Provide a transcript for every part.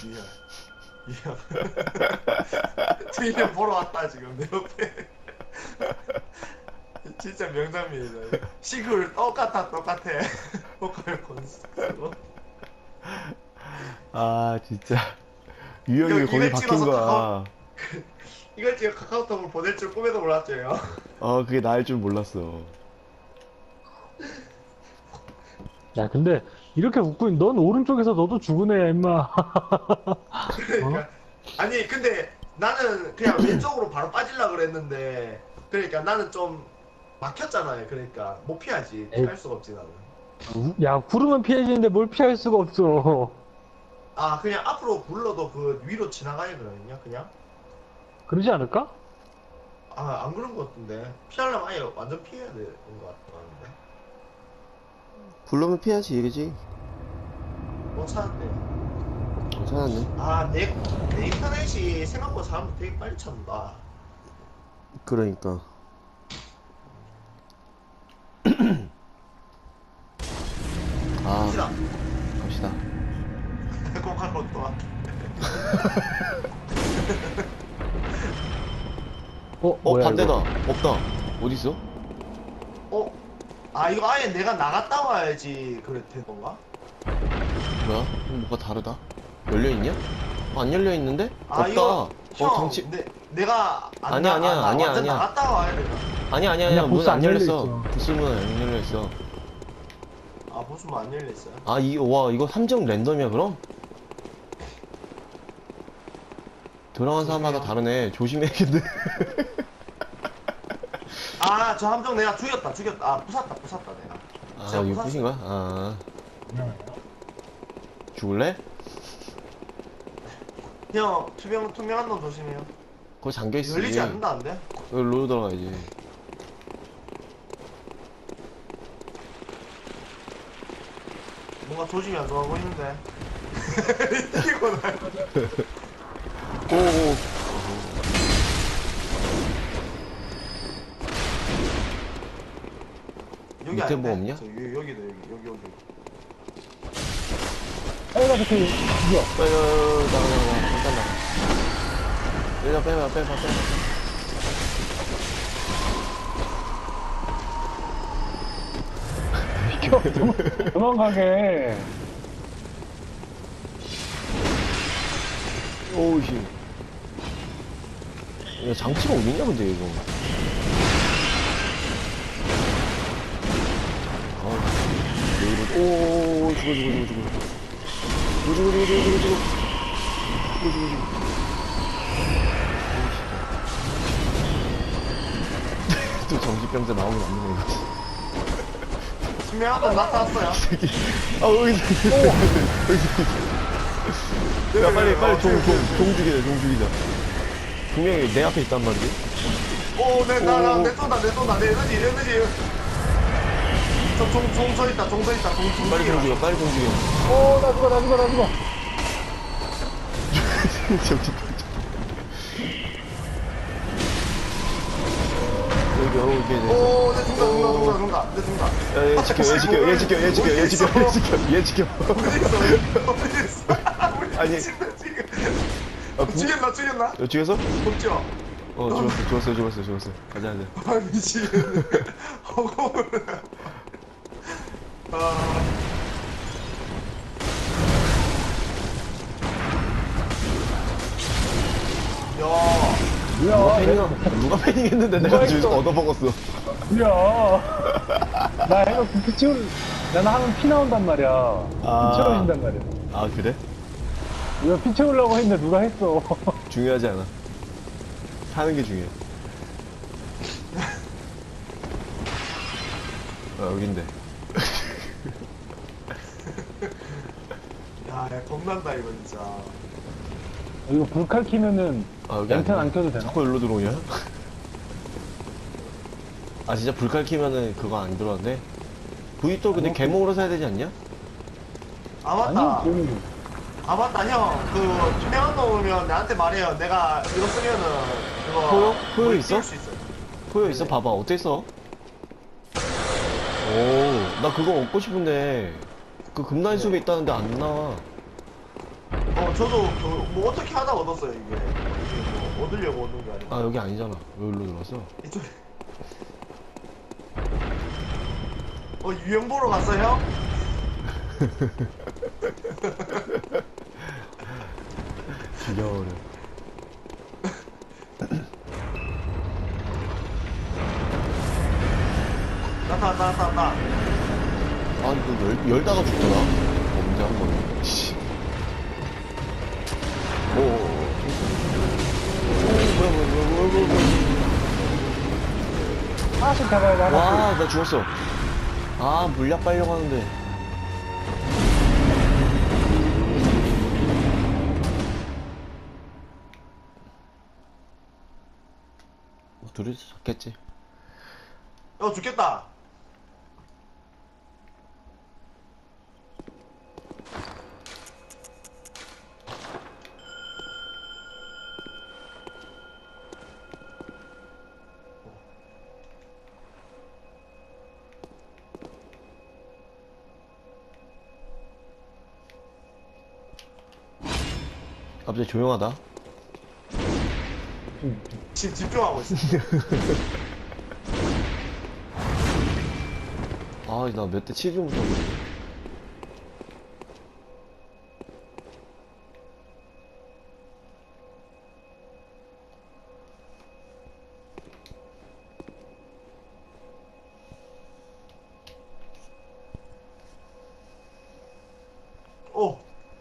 이야. 이야. 트위터 보러 왔다 지금 내 옆에. 진짜 명장면이다. 시글 똑같아. 보컬 콘서트. 아, 진짜. 유형이 거기 이걸 박힌 찍어서 거야. 이걸 지금 카카오톡으로 보낼 줄 꿈에도 몰랐죠, 형. 그게 나일 줄 몰랐어. 야, 근데 이렇게 웃고 넌 오른쪽에서 너도 죽은 애야, 임마. 그러니까 아니 근데 나는 그냥 왼쪽으로 바로 빠질라 그랬는데 그러니까 나는 좀 막혔잖아요. 그러니까 못 피하지. 에이. 피할 수가 없지 나는. 야, 구르면 피해지는데 뭘 피할 수가 없어. 아 그냥 앞으로 굴러도 그 위로 지나가야 되거든요. 그냥 그러지 않을까? 아 안 그런 것 같은데 피하려면 아예 완전 피해야 되는 것 같은데. 불러면 피하지, 이거지. 못 찾았대요. 찾았네. 아내 인터넷이 생각보다 사람들 되게 빨리 찾는다. 그러니까. 아, 갑시다. 갑시다. 꼭할 것도 와. 뭐야, 반대다. 이거? 없다. 어딨어? 어? 아 이거 아예 내가 나갔다 와야지 그래 된 건가? 뭐야? 뭐가 다르다? 열려있냐? 안 열려있는데? 아 없다. 이거 형 장치. 내가 아니야, 아니야, 완전 아니야. 나갔다 와야 되나? 아니야, 아니야, 문 보스 안 안 열렸어. 열려있어. 부스 문 안 열려있어. 아 무슨 뭐 안 열렸어요? 와, 이거 3점 랜덤이야, 그럼? 들어간 사람마다 다르네. 조심해야겠네. 아 저 함정 내가 죽였다 아 부쉈다 내가. 아, 제가 이거 부쉈어요. 부신 거야? 아. 죽을래? 형 투명한 놈 조심해요. 거기 잠겨있어. 열리지 않는다는데? 여기로 들어가야지. 뭔가 조짐이 안 좋아 보이는데. 이거 나 오오. 여기 밑에 아닌데? 뭐 없냐? 여기다 여기. 빨리 가서 죽여. 빨리, 나가. 잠깐 나가. 빼봐. 비켜. 도망가게. 오우, 씨. 야, 장치가 어딨냐, 근데, 이거. 왜 이러지? 오, 죽어. 또 정신병자 나오면 안 되네, 이거. 투명한 놈 나타났어요. 여기 야, 빨리, 종 죽이자. 분명히 내 앞에 있단 말이지. 내 쏜다. 내 에너지. 종 있다. 빨리 종 죽여. 나 죽어. 정신병자. 여기, 내 죽는다. 얘 지켜. 어디 있어? 아니. 죽였나? 죽였어? 없죠? 죽었어. 가자. 아, 미치겠네. 허공을. 아. 야. 누가 패닝했는데 내가 누가 주에서 했어? 얻어먹었어. 야. 나 해가 나는 하면 피 나온단 말이야. 아. 피 채워진단 말이야. 아, 그래? 이거 피 채우려고 했는데 누가 했어. 중요하지 않아. 사는 게 중요해. 여긴데. 야, 겁난다, 이거 진짜. 이거 불칼 키면은 여기 랜턴 아니야. 안 켜도 되나? 자꾸 일로 들어오냐? 아, 진짜 불칼 키면은 그거 안 들어왔네? V2 근데 개몽으로 사야 되지 않냐? 아, 맞다. 아니, 그거는 아, 맞다, 형. 그, 투명한 거 오면 나한테 말해요. 내가 이거 쓰면은, 그거. 포효? 포효 물 있어? 띄울 수 있어요. 포효 있어? 봐봐. 어떻게 써? 오, 나 그거 얻고 싶은데. 그 금난수에 있다는데 안 나와. 저도 뭐 어떻게 하다 얻었어요 이게. 이게 뭐 얻으려고 얻는 게 아니고. 아 여기 아니잖아. 여기로 들어왔어. 이쪽에. 유형 보러 갔어요? 지겨워래. 나타. 아 이거 열다가 죽더라. 언제 한 번. 씨. 오. 뭐야. 하나씩 잡아야 돼, 하나씩. 와, 나 죽었어. 아, 물약 빨려고 하는데. 둘이서 잡겠지. 죽겠다. 갑자기 조용하다. 지금 집중하고 있어. 아, 나 몇 대 치지 못하고. 오.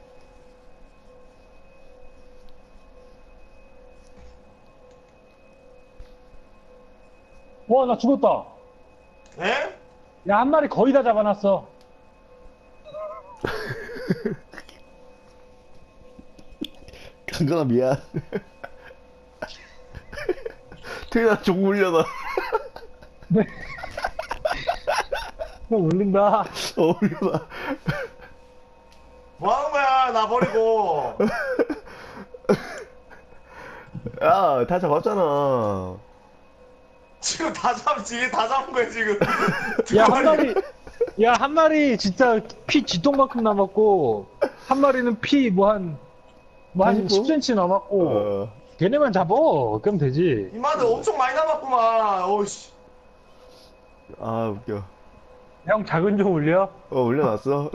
와, 나 죽었다. 에? 야, 한 마리 거의 다 잡아놨어. 강근아, 미안. 태연아, 종 물려놔. 네. 울린다. 물려놔. 뭐 하는 거야 나 버리고. 야, 다 잡았잖아. 지금 다 잡은 거야 지금. 야, 한 마리, 야, 한 마리 진짜 피 쥐똥만큼 남았고, 한 마리는 피 한 아이고. 10cm 남았고, 어. 걔네만 잡어. 그럼 되지. 이마들 엄청 많이 남았구만. 오씨. 아, 웃겨. 형, 작은 좀 올려? 올려놨어.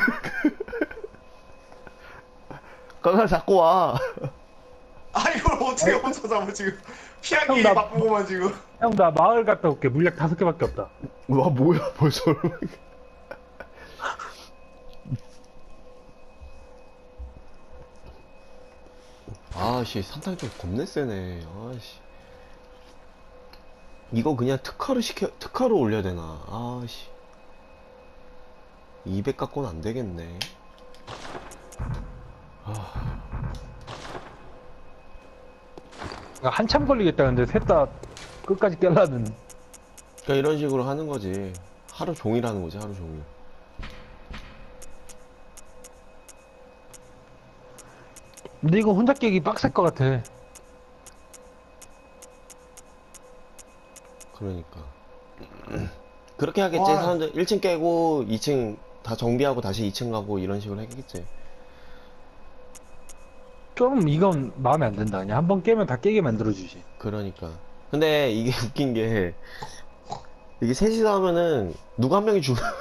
강근아, 잡고 와. 이걸 어떻게 혼자 잡아 지금. 피하기 형, 나- 바쁘고만 지금. 형, 나 마을 갔다 올게. 물약 5개밖에 없다. 와, 뭐야, 벌써. 아씨, 산탄 좀 겁내 세네. 아씨. 이거 그냥 특화로 올려야 되나? 아씨. 200 갖고는 안 되겠네. 한참 걸리겠다. 근데 셋 다 끝까지 깨려면. 그러니까 이런 식으로 하는 거지. 하루 종일 하는 거지, 하루 종일. 근데 이거 혼자 깨기 빡셀 것 같아. 그러니까. 그렇게 하겠지. 와. 사람들 1층 깨고 2층 다 정비하고 다시 2층 가고 이런 식으로 하겠지. 좀 이건 마음에 안 든다. 그냥 한 번 깨면 다 깨게 만들어주지. 그러니까. 근데 이게 웃긴 게, 이게 셋이서 하면은, 누가 한 명이 죽으면,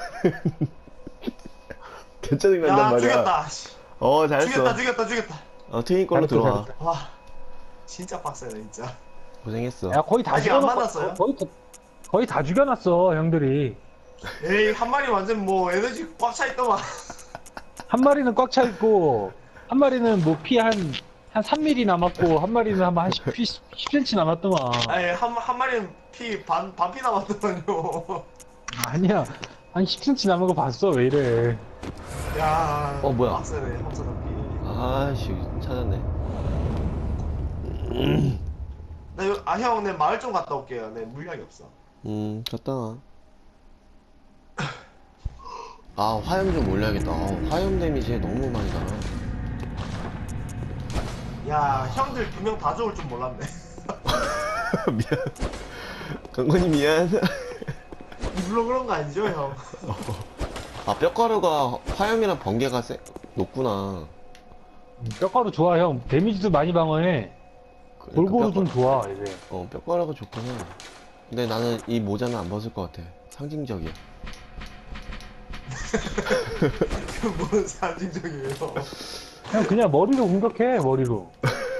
괜찮은 간단 야 말이야. 죽였다. 잘했어. 죽였다. 트윈 걸로 잘했어, 들어와. 잘했어. 와 진짜 빡세네 진짜. 고생했어. 야, 거의 다 아직 안 죽여놨어. 만났어요? 거의 다 죽여놨어, 형들이. 에이 한 마리 완전 뭐 에너지 꽉 차 있더만. 한 마리는 꽉 차 있고, 한 마리는 뭐 피 한 3mm 남았고, 한 마리는 한 10cm 남았더만. 아니 한 마리는 피 반피 남았더만요. 아니야. 한 10cm 남은 거 봤어, 왜 이래. 야 뭐야. 빡세네 homsa 잡기. 아씨, 찾았네. 형 내 마을 좀 갔다 올게요. 내 물약이 없어. 갔다 와. 아, 화염 좀 올려야겠다. 화염 데미지 너무 많이 나나. 야 형들 2명 다 죽을 줄 몰랐네. 미안. 강건이 미안. 일부러 그런 거 아니죠 형? 아, 뼈가루가 화염이랑 번개가 높구나. 뼈가루 좋아, 형. 데미지도 많이 방어해. 골고루 좀 좋아, 이제. 뼈가루가 좋긴 해. 근데 나는 이 모자는 안 벗을 것 같아. 상징적이야. 뭔 상징적이에요. 형, 그냥 머리로 공격해, 머리로.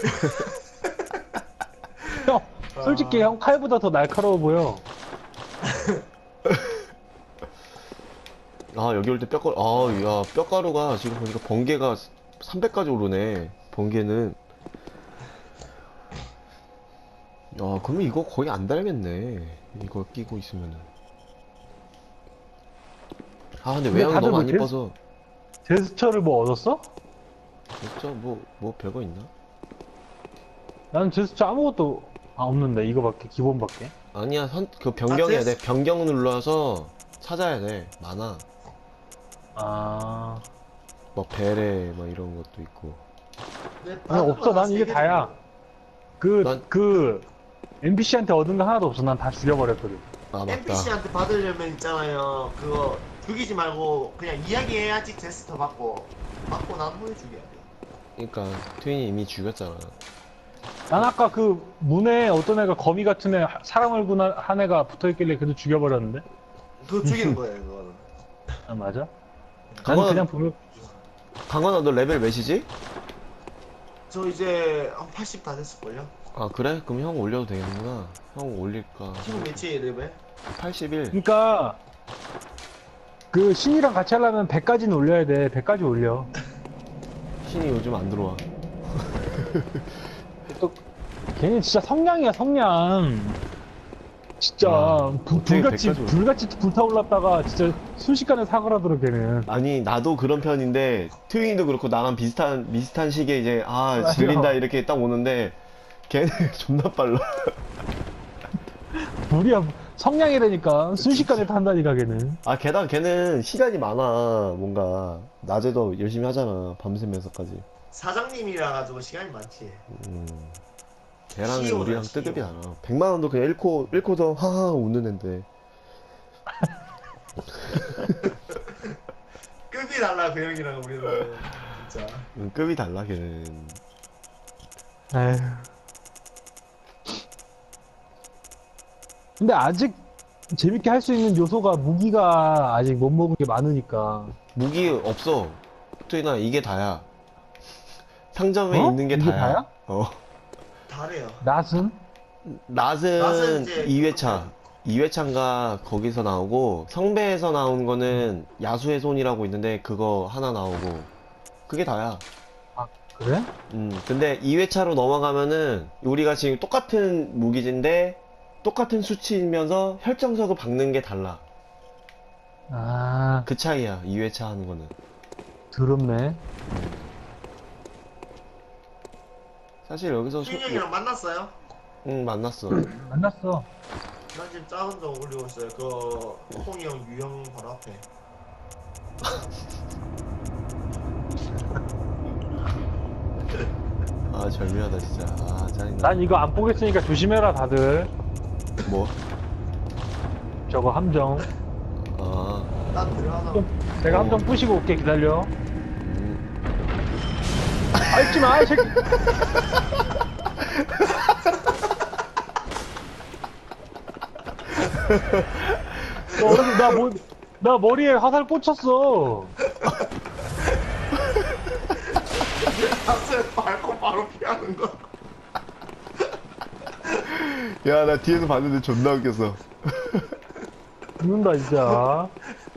형, 솔직히 형 칼보다 더 날카로워 보여. 아, 여기 올 때 뼈가루, 야, 뼈가루가 지금 보니까 번개가 300까지 오르네. 번개는. 야, 그러면 이거 거의 안 달겠네. 이거 끼고 있으면은. 아, 근데 근데 외양이 다들 너무 안 뭐 이뻐서. 제스처를 뭐 얻었어? 진짜 뭐 별거 있나? 나는 제스처 아무것도 없는데, 이거밖에, 기본밖에. 아니야, 그 변경해야 돼. 제스- 변경 눌러서 찾아야 돼. 많아. 아, 막 베레, 막 이런 것도 있고. 아니, 없어. 난 이게 다야. NPC한테 얻은 거 하나도 없어. 난 다 죽여버렸거든. 아, 맞다. NPC한테 받으려면 있잖아요. 그거 죽이지 말고 그냥 이야기해야지 제스터 받고 난 후에 죽여야 돼. 그러니까 트윈이 이미 죽였잖아. 난 아까 그 문에 어떤 애가 거미 같은 애, 사람 얼굴 한 애가 붙어있길래 그래도 죽여버렸는데? 그거 죽이는 거예요, 그거는. 아, 맞아? 나는 강원아, 그냥 보면, 강원아, 너 레벨 몇이지? 저 이제 한 80 다 됐을걸요? 아, 그래? 그럼 형 올려도 되겠구나. 형 올릴까? 지금 몇이에요, 레벨? 81. 그니까, 그 신이랑 같이 하려면 100까지는 올려야 돼. 100까지 올려. 신이 요즘 안 들어와. 또, 걔는 진짜 성냥이야, 성냥. 진짜, 어떻게 불같이, 100까지 올려? 불같이 불타올랐다가 진짜 순식간에 사그라들어, 걔는. 아니, 나도 그런 편인데, 트윈이도 그렇고, 나랑 비슷한 시기에 이제, 맞아. 질린다, 이렇게 딱 오는데, 걔는 존나 빨라. 불이야, 성냥이라니까. 순식간에 탄다니까, 걔는. 아, 게다가 걔는 시간이 많아. 뭔가, 낮에도 열심히 하잖아. 밤새면서까지. 사장님이라 가지고 시간이 많지. 걔랑 CEO 다, 우리랑 CEO. 뜨급이 달라. 100만 원도 그냥 잃고서 하하 웃는 앤데. 급이 달라, 그 형이랑 우리는. 진짜. 급이 달라, 걔는. 에휴. 근데 아직 재밌게 할 수 있는 요소가 무기가 아직 못 먹은 게 많으니까. 무기 없어. 트윈아, 이게 다야. 상점에 어? 있는 게 이게 다야. 다야? 다래요. 낫은? 낫은 낫은 이제 2회차. 2회차인가 거기서 나오고, 성배에서 나온 거는 야수의 손이라고 있는데, 그거 하나 나오고. 그게 다야. 그래? 근데 2회차로 넘어가면은, 우리가 지금 똑같은 무기인데, 똑같은 수치이면서 혈정석을 박는 게 달라. 아, 그 차이야, 2회차 하는 거는. 더럽네. 사실 여기서 준 형이랑 만났어요? 응, 만났어. 만났어. 난 지금 작은 거 올리고 있어요. 그 홍이 형, 유형 바로 앞에. 아, 절묘하다, 진짜. 아, 짜증나. 난 이거 안 보겠으니까 조심해라, 다들. 뭐? 저거 함정. 아, 난 들어가서 내가 함정 부시고 올게, 기다려. 음. 밟지 마, 이 새끼. 너 오늘 나 머리에 화살 꽂혔어. 앞에 밟고 바로 피하는 거. 야, 나 뒤에서 봤는데 존나 웃겼어. 죽는다, 진짜.